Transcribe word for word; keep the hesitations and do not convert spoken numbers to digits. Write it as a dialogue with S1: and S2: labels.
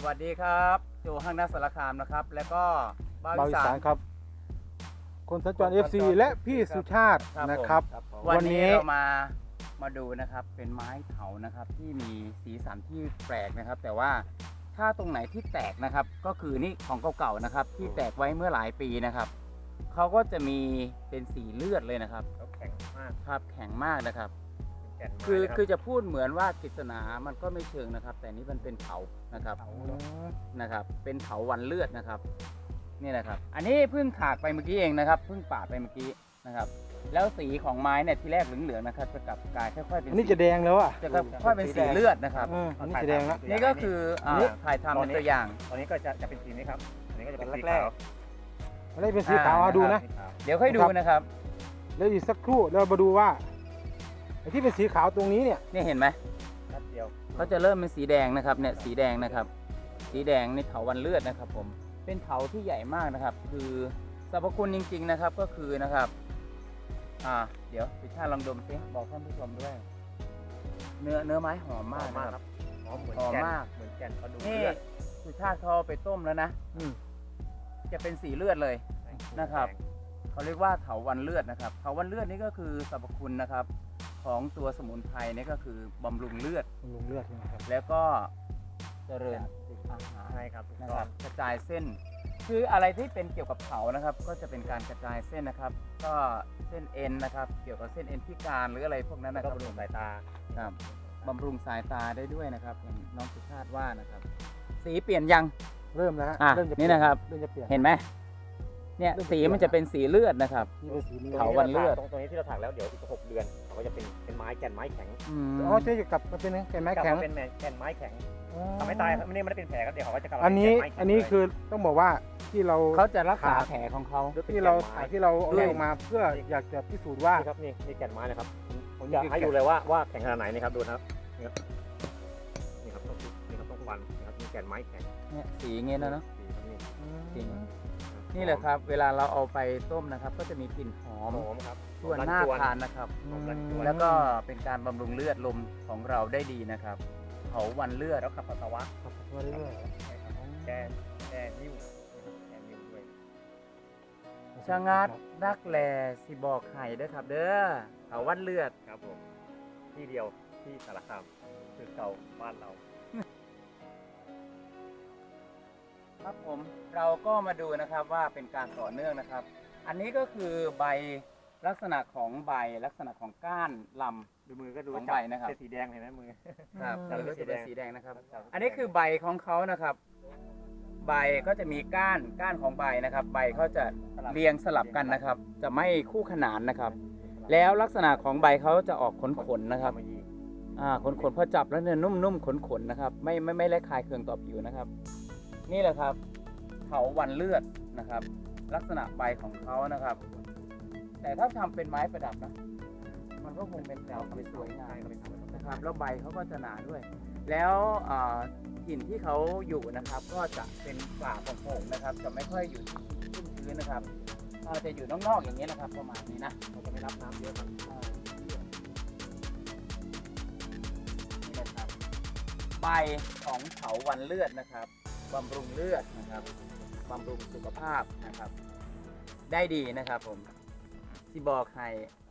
S1: วัสดีครับโจห้างนักสารคามนะครับ แล้วก็บ้า
S2: บาว
S1: วิ
S2: อี
S1: สา
S2: สาน นครับคนสัญจร เอฟ ซี และพี่สุชาติ
S1: ครับ
S2: นะครับ
S1: ผม
S2: วั
S1: วัน
S2: นนี้
S1: นี้เรามามาดูนะครับเป็นไม้เถานะครับที่มีสีสันที่แปลกนะครับ แต่ว่าถ้าตรงไหนที่แตกนะครับ ก็คือนี่ของเก่าๆนะครับ ที่แตกไว้เมื่อหลายปีนะครับเขาก็จะมีเป็นสีเลือดเลยนะครับ
S3: เขาแข็งมาก
S1: ครับแข็งมากนะครับ
S3: เป็นแก่นไม้
S1: คือ
S3: นะรับ
S1: คือจะพูดเหมือนว่ากฤษณามันก็ไม่เชิงนะครับ แต่นี่มันเป็นเถานะครับ
S3: เถา
S1: นะครับเป็นเถาวันเลือดนะครับนี่นะครับ อันนี้เพิ่งถากไปเมื่อกี้เองนะครับเพิ่งปาดไปเมื่อกี้นะครับ แล้วสีของไม้เนี่ยที่แรกเหลืองๆนะครับจะกลับกลายค่อยๆเป็น
S2: อันนี้จะแดงแล้วอ่ะ
S1: จะค่อยๆเป็นสีเลือดนะครับ
S2: เอออันนี้จะแดงแล้ว
S1: นี่ก็คืออ่าถ่ายทำเป็นตัวอย่าง
S3: ตอนนี้ก็จะจะเป็นสีนี้ครับ อันนี้ก็จะเป็นสี
S2: แร
S3: ขาก ว
S2: อันนี้เป็นสีขาว
S1: อ่า
S2: เอาดูนะ
S3: สีขาว
S1: เดี๋ยวค่อยดูนะครับ
S2: แล้วอีกสักครู่เรามาดูว่าไอ้ที่เป็นสีขาวตรงนี้เนี่ย
S1: นี่เห็นไหม
S3: นัดเดียว
S1: เขาจะเริ่มเป็นสีแดงนะครับเนี่ยสีแดงนะครับ สีแดงในเถาวันเลือดนะครับ ผมเป็นเถาที่ใหญ่มากนะครับ คือสรรพคุณจริง ๆนะครับก็คือนะครับอ่าเดี๋ยวพิชาลองดมสิบอกท่านผู้ชมด้วย เนื้อเนื้อไม้หอมมากนะครับ
S3: หอมเหมือน
S1: หอม
S3: แก่น
S1: มาก
S3: เหมือนแก่นเขาดู
S1: นี่
S3: เลือด
S1: สุชาติเขาเอาไปต้มแล้วนะ
S2: อืม
S1: จะเป็นสีเลือดเลย นะครับ เขาเรียกว่าเถาวันเลือดนะครับเถาวันเลือดนี่ก็คือสรรพคุณนะครับ ของตัวสมุนไพรนี่ก็คือบำรุงเลือด
S2: ลงเลือดใช่ไหมครับ
S1: แล้วก็เจริญอาหาร
S3: ใช่ครับถูก
S1: นะ
S3: ต้
S1: ค
S3: อ
S1: รั
S3: ง
S1: บกระจายเส้น คืออะไรที่เป็นเกี่ยวกับเถานะครับ ก็จะเป็นการกระจายเส้นนะครับ ก็เส้นเอ็นนะครับ เกี่ยวกับเส้นเอ็นพิการหรืออะไรพวกนั้น
S3: แล้ว
S1: นะค
S3: ก็
S1: รับบ
S3: ำรุงสายตา
S1: ครับบำรุงสายตาได้ด้วยนะครับอย่างน้องสุชาติว่านะครับ สีเปลี่ยนยัง
S2: เริ่มแล้วฮะ
S1: อ่ะ
S2: เริ่มจะ
S1: นี่นะครับ
S2: เริ่มจะเปลี่ยน
S1: เห็นไหมเนี่ยสีมันจะเป็นสีเลือดนะครับ
S2: นี่เป็นสีนี้
S1: เถาวันเลือด
S3: ตรงตรงนี้ที่เราถักแล้วเดี๋ยวอีกหกเดือนเขาก็จะเป็นเป็นไม้แก่นไม้แข็ง
S1: อืม
S2: อ๋อจะกลับมาเป็นแก่นไม้
S3: กลับ
S2: แข็ง
S3: มาเป็นแก่นไม้แข็ง
S2: อ๋อ
S3: ทำให้ตายครับไม่ได้ไม่ได้เป็นแผลครับเดี๋ยวเขาก็จะกลับมา
S2: อันนี้
S3: เป็แก่ไม้แข็ง
S2: อันนี้
S3: เลย
S2: คือต้องบอกว่าที่เรา
S1: เขาจะรักษา
S2: ขาด
S1: แผลของเขา
S3: หรือเป็น
S2: ที่เรา
S3: แก่นไม้
S2: ถ่ายที่เราเอา
S1: ด้วย
S2: ออกมาเพื่ออยากจะพิสูจน์ว่า
S3: นี่ครับนี่นี่แก่นไม้นะครับผม
S2: นี่
S3: จะ
S2: คือ
S3: ให้
S2: แก่น
S3: ดูเลยว่าว่าแข็งขนาดไหนนี่ครับดูนะครับนี่ครับนี่ครับต้องนี่ครับต้องฟันนี่ครับนี่แก่นไม้แข็ง
S1: เนี่ยสีเงี้ยนะเนาะ
S3: นี่ครับนี่
S1: จริง นี่แหละครับ เวลาเราเอาไปต้มนะครับ ก็จะมีกลิ่นหอม
S3: หอมครับ
S1: ส่วนหน้าทานนะครับ
S3: หอมรันจวน
S1: แล้วก็เป็นการบำรุงเลือดลมของเราได้ดีนะครับเผาวันเลือด
S3: แล้วขับปัสสาวะ
S2: ขับมาเรื่อย
S3: ใช่ครับแก้แก้นิ้วแก้นิ้วด้วย
S2: ๆ
S1: ชะงัดนักแลสิบอกไห้เด้อครับ เด้อเผาวันเลือด
S3: ครับผมที่เดียวที่สารคามคือเก่าบ้านเรา
S1: ครับผมเราก็มาดูนะครับว่าเป็นการต่อเนื่องนะครับ อันนี้ก็คือใบลักษณะของใบลักษณะของก้านลำ
S3: ดูมือก็ดู
S1: ของใบนะครับ
S3: เป็นสีแดงเห็นไหมมือ
S1: ครับ
S3: อืม
S1: อันนี้ก็จะเป็นสีแดงนะครับ
S3: ครับ
S1: อันนี้คือใบของเขานะครับ ใบก็จะมีก้านก้านของใบนะครับ ใบเขาจะเรียงสลับกันนะครับ จะไม่คู่ขนานนะครับ แล้วลักษณะของใบเขาจะออกขนๆนะครับ
S3: มายี
S1: อ่าขนๆพอจับแล้วเนี่ยนุ่มๆขนๆนะครับ ไม่ไม่ไม่ละคายเคืองต่อผิวนะครับ นี่แหละครับเถาวันเลือดนะครับ ลักษณะใบของเขานะครับ แต่ถ้าทำเป็นไม้ประดับนะมันก็คงเป็นแนวที่สวยงาม
S3: ก็เป็นธรรมชาติ
S1: นะครับแล้วใบเขาก็จะหนาด้วย แล้วอ่ากลิ่นที่เขาอยู่นะครับ ก็จะเป็นป่าโป่งๆนะครับ จะไม่ค่อยอยู่ที่ชื้นๆนะครับอ่าจะอยู่นอกๆอย่างนี้ยนะครับ ประมาณนี้นะ
S3: เราจะไม่รับน้ำเยอะครับ
S1: อ่านี่นะครับใบของเถาวันเลือดนะครับบำรุงเลือดนะครับบำรุงสุขภาพนะครับ ได้ดีนะครับผมที่บอกให้